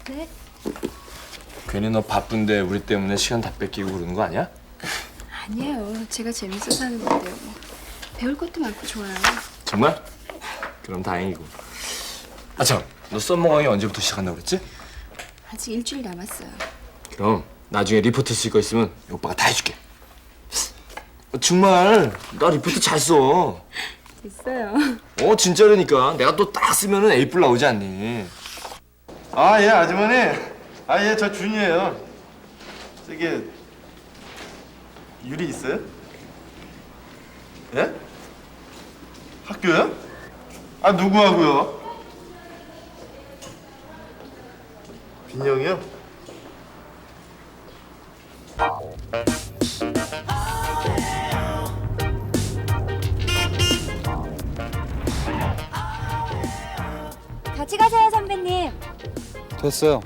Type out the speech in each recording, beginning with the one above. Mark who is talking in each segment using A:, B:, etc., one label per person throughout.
A: 네?
B: 괜히 너 바쁜데 우리 때문에 시간 다 뺏기고 그러는 거 아니야?
A: 아니에요. 제가 재밌어서 하는 건데요. 뭐. 배울 것도 많고 좋아요.
B: 정말? 그럼 다행이고. 아 참, 너 썸머 강의 언제부터 시작한다고 그랬지?
A: 아직 일주일 남았어요.
B: 그럼 나중에 리포트 쓸 거 있으면 오빠가 다 해줄게. 정말 나 리포트 잘 써.
A: 됐어요.
B: 진짜라니까. 내가 또 딱 쓰면은 A+ 나오지 않니?
C: 아, 예, 아주머니. 아, 예, 저 준이에요. 저기 유리 있어요? 예? 학교요? 아, 누구하고요? 빈영이요?
D: 같이 가세요, 선배님.
E: 됐어요.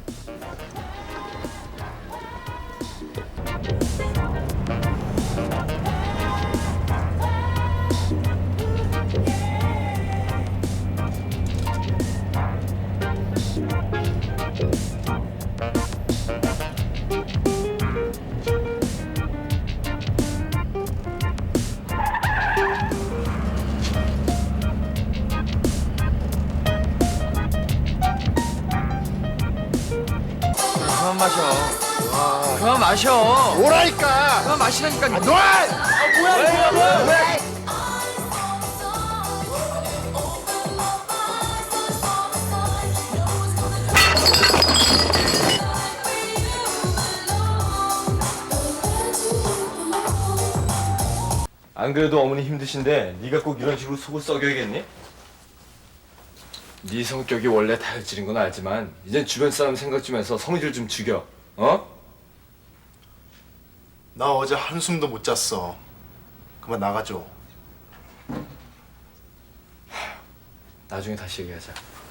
B: 그만 마셔. 그만 마셔.
C: 뭐라니까!
B: 그만 마시라니까.
C: 아, 놔! 뭐야?
B: 안 그래도 어머니 힘드신데 네가 꼭 이런 식으로 속을 썩여야겠니? 네 성격이 원래 다혈질인 건 알지만 이젠 주변 사람 생각 좀 해서 성질 좀 죽여. 어?
C: 나 어제 한숨도 못 잤어. 그만 나가줘.
B: 나중에 다시 얘기하자.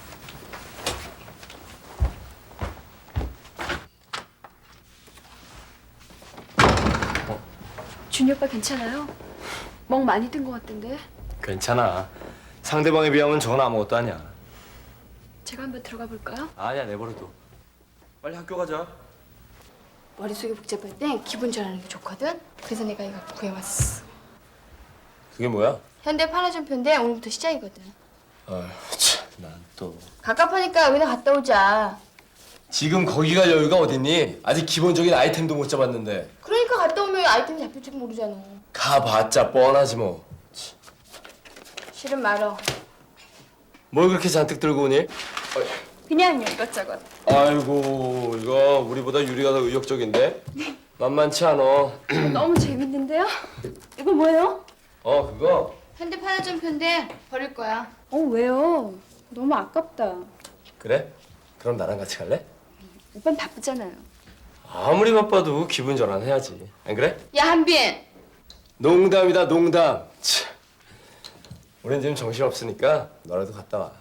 A: 준이 오빠 괜찮아요? 멍 많이 든 것 같던데.
B: 괜찮아. 상대방에 비하면 저건 아무것도 아니야.
A: 제가 한번 들어가 볼까요?
B: 아니야, 내버려둬. 빨리 학교 가자.
A: 머릿속이 복잡할 땐 기분 전하는 게 좋거든. 그래서 내가 이거 구해왔어.
B: 그게 뭐야?
A: 현대 판화점표인데 오늘부터 시작이거든.
B: 아휴, 참, 난 또.
A: 갑갑하니까 여기나 갔다 오자.
B: 지금 거기 갈 여유가 어딨니? 아직 기본적인 아이템도 못 잡았는데.
A: 그러니까 갔다 오면 아이템이 잡힐지도 모르잖아.
B: 가봤자 뻔하지 뭐.
A: 싫은 말어.
B: 뭘 그렇게 잔뜩 들고 오니?
A: 그냥 이것저것.
B: 아이고, 이거 우리보다 유리가 더 의욕적인데? 만만치 않아.
A: 너무 재밌는데요? 이거 뭐예요?
B: 그거?
A: 현대 판화점표인데 버릴 거야.
D: 왜요? 너무 아깝다.
B: 그래? 그럼 나랑 같이 갈래?
A: 오빠는 바쁘잖아요.
B: 아무리 바빠도 기분 전환해야지. 안 그래?
A: 야 한빈.
B: 농담이다, 농담. 참. 우린 지금 정신 없으니까 너라도 갔다 와.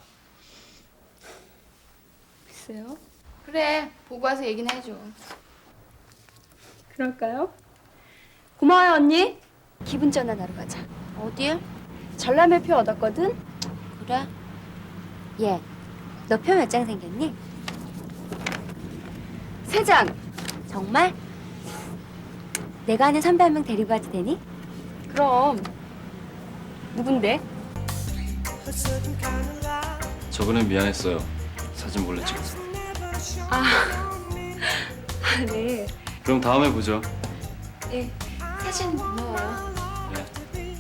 A: 글쎄요. 그래 보고 와서 얘기나 해줘.
D: 그럴까요? 고마워요, 언니. 기분 전환하러 가자.
F: 어딜?
D: 전람회 표 얻었거든?
F: 그래? 얘, 너 표 몇 장 생겼니?
D: 3장.
F: 정말? 내가 아는 선배 한 명 데리고 가도 되니?
D: 그럼. 누군데?
E: 저번엔 미안했어요. 사진 몰래 찍어서.
D: 네.
E: 그럼 다음에 보죠.
A: 예. 사진 고마워요.
E: 네.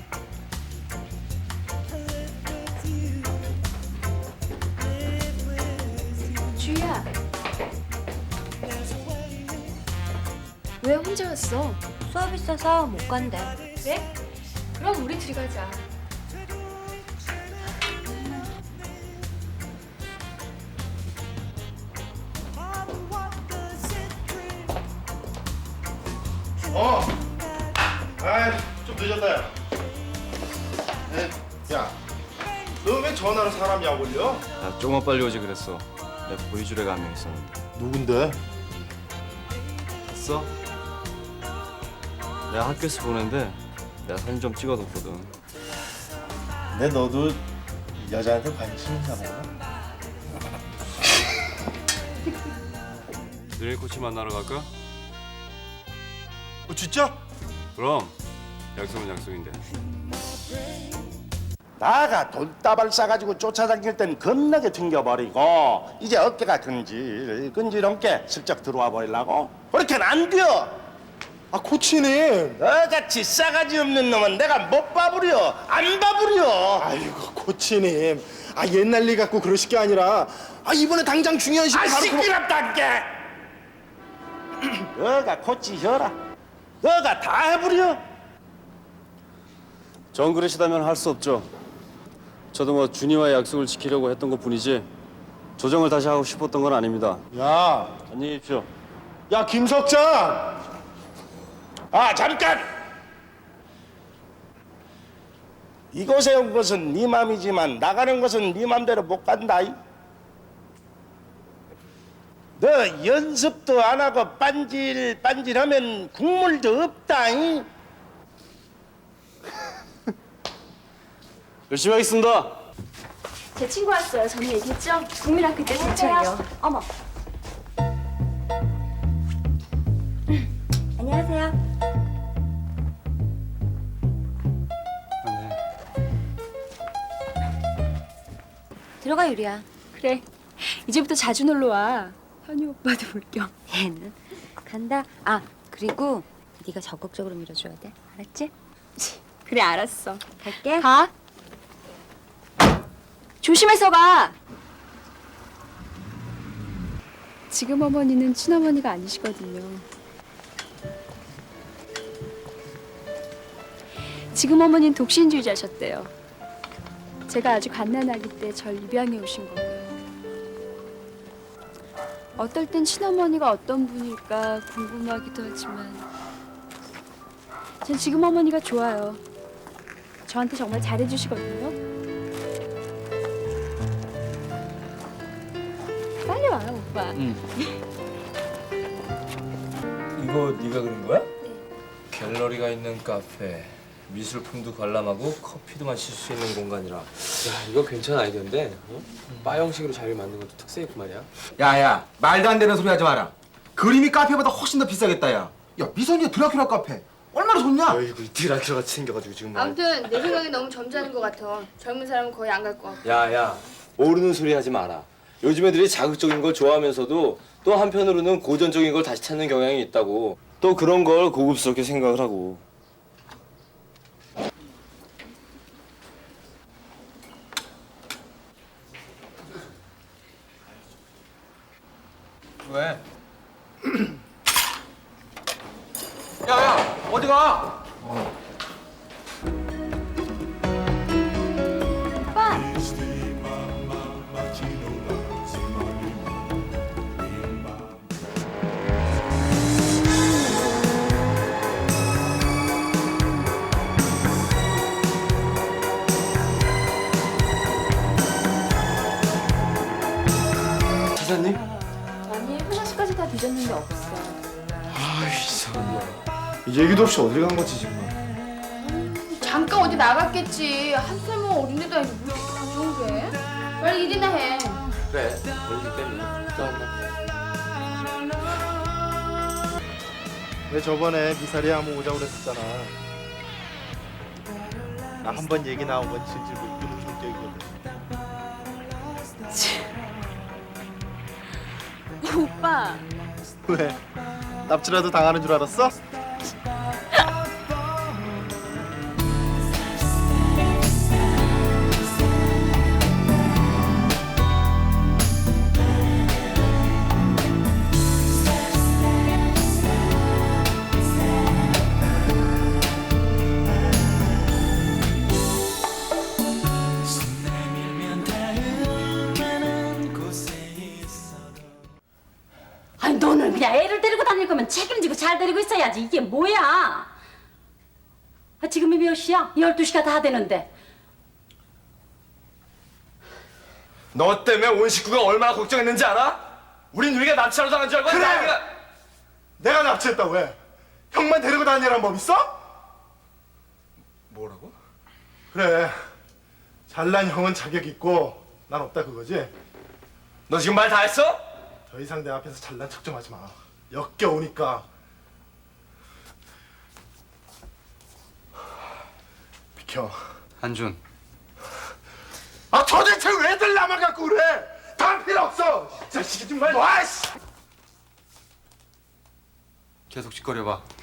A: 주희야. 왜 혼자 왔어?
F: 수업 있어서 못 간대.
A: 그래? 그럼 우리 둘이 가자.
C: 좀 늦었다, 야. 야, 너 왜 전화로 사람 약 올려?
E: 야, 조금만 빨리 오지 그랬어. 내 보이주례가 한 명 있었는데.
C: 누군데?
E: 봤어? 내가 학교에서 보는데 내가 사진 좀 찍어뒀거든.
C: 근데 너도 여자한테 관심 있나 보구나.
E: 드릴 코치 만나러 갈까?
C: 진짜?
E: 그럼 약속은 약속인데.
G: 나가 돌다발 싸가지고 쫓아다닐 땐 겁나게 튕겨버리고 이제 어깨가 근질근질한게 슬쩍 들어와 버리려고? 그렇게는 안 돼.
C: 아 코치님.
G: 너같이 싸가지 없는 놈은 내가 못 봐부려 안 봐부려.
C: 아이고 코치님. 아 옛날 일 갖고 그러실 게 아니라 이번에 당장 중요한 시간 바로
G: 시끄럽단게. 너가 코치 혀라. 너가 다 해부려.
E: 정 그러시다면 할 수 없죠. 저도 뭐 준이와의 약속을 지키려고 했던 것뿐이지 조정을 다시 하고 싶었던 건 아닙니다.
C: 야,
E: 안녕히 계십시오.
C: 야 김석장.
G: 아 잠깐. 이곳에 온 것은 네 맘이지만 나가는 것은 네 맘대로 못 간다. 너 연습도 안 하고 빤질빤질하면 국물도 없다.
E: 열심히 하겠습니다.
D: 제 친구 왔어요. 전에 얘기했죠? 국민학교 때 동창이요.
F: 어머. 안녕하세요. 들어가 유리야.
D: 그래. 이제부터 자주 놀러 와. 현유 오빠도 볼 겸.
F: 얘는 간다. 아 그리고 네가 적극적으로 밀어줘야 돼. 알았지?
D: 그래 알았어.
F: 갈게.
D: 가. 조심해서 가. 지금 어머니는 친어머니가 아니시거든요. 지금 어머니는 독신주의자셨대요. 제가 아주 갓난아기 때 절 입양해 오신 거고요. 어떨 땐 친어머니가 어떤 분일까 궁금하기도 하지만 전 지금 어머니가 좋아요. 저한테 정말 잘해주시거든요. 빨리 와요, 오빠.
B: 이거 네가 그린 거야? 갤러리가 있는 카페, 미술품도 관람하고 커피도 마실 수 있는 공간이라.
H: 야, 이거 괜찮은 아이디어인데 바 형식으로 자리를 만든 것도 특색이고 말이야.
I: 야야 말도 안 되는 소리 하지 마라. 그림이 카페보다 훨씬 더 비싸겠다 야. 야 미선이의 드라큘라 카페 얼마나 좋냐?
B: 어이구 드라큘라 같이 생겨가지고 지금 말.
A: 아무튼 내 생각에 너무 점잖은 것 같아. 젊은 사람은 거의 안 갈 것 같고.
B: 야야 모르는 소리 하지 마라. 요즘 애들이 자극적인 걸 좋아하면서도 또 한편으로는 고전적인 걸 다시 찾는 경향이 있다고. 또 그런 걸 고급스럽게 생각을 하고.
I: 왜? 야야 어디 가?
B: 사장님?
D: 아니, 화장실까지 다 뒤졌는데 없어.
C: 얘기도 없이 어딜 간 거지 지금?
A: 잠깐 어디 나갔겠지. 한참은 어린데도 아니고 뭐 이렇게 가져온 게. 빨리 일이나 해.
H: 그래, 벌기 때문에.
C: 왜 저번에 미사리 한번 오자고 그랬었잖아. 나 한 번 얘기 나오면 질질 못 끄는 성격이거든.
D: 오빠.
C: 왜? 납치라도 당하는 줄 알았어?
J: 아니 너는 그냥 애를 데리고 다닐 거면 책임지고 잘 데리고 있어야지. 이게 뭐야? 아, 지금이 몇 시야? 12시가 다 되는데.
B: 너 때문에 온 식구가 얼마나 걱정했는지 알아? 우린 우리가 납치하러 당한 줄 알고.
C: 그래!
B: 나이가...
C: 내가 납치했다고 왜? 형만 데리고 다니라는 법 있어?
B: 뭐라고?
C: 그래. 잘난 형은 자격 있고 난 없다 그거지?
B: 너 지금 말 다 했어?
C: 더 이상 내 앞에서 잘난 척 좀 하지 마. 역겨우니까. 비켜.
I: 한준.
C: 아 도대체 왜들 나만 갖고 그래? 다 필요 없어. 이 자식이 정말. 와씨.
I: 계속 짓거려봐.